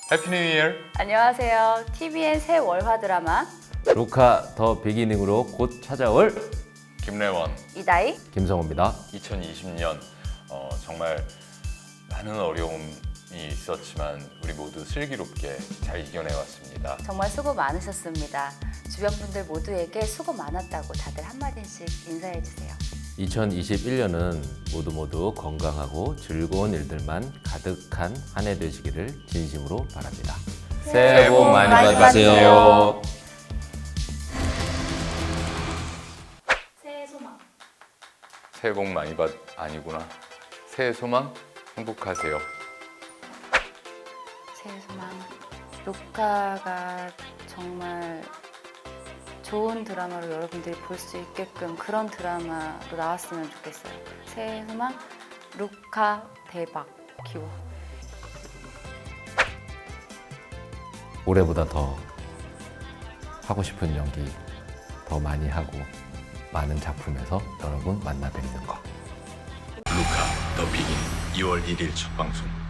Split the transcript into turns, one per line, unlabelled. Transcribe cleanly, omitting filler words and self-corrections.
해피 뉴 이어.
안녕하세요. TVN 새 월화 드라마
루카 더 비기닝으로 곧 찾아올
김래원.
이다희.
김성호입니다.
2020년 정말 많은 어려움이 있었지만 우리 모두 슬기롭게 잘 이겨내왔습니다.
정말 수고 많으셨습니다. 주변 분들 모두에게 수고 많았다고 다들 한마디씩 인사해 주세요.
2021년은 모두 건강하고 즐거운 일들만 가득한 한 해 되시기를 진심으로 바랍니다. 새해 복 많이 받으세요.
새해 소망.
새해 복 많이 받 아니구나. 새해 소망 행복하세요.
새해 소망. 루카가 정말 좋은 드라마로 여러분들이 볼 수 있게끔 그런 드라마로 나왔으면 좋겠어요. 새해 소망. 루카 대박 기워.
올해보다 더 하고 싶은 연기 더 많이 하고 많은 작품에서 여러분 만나 뵙는 거.
루카 더 비긴 2월 1일 첫 방송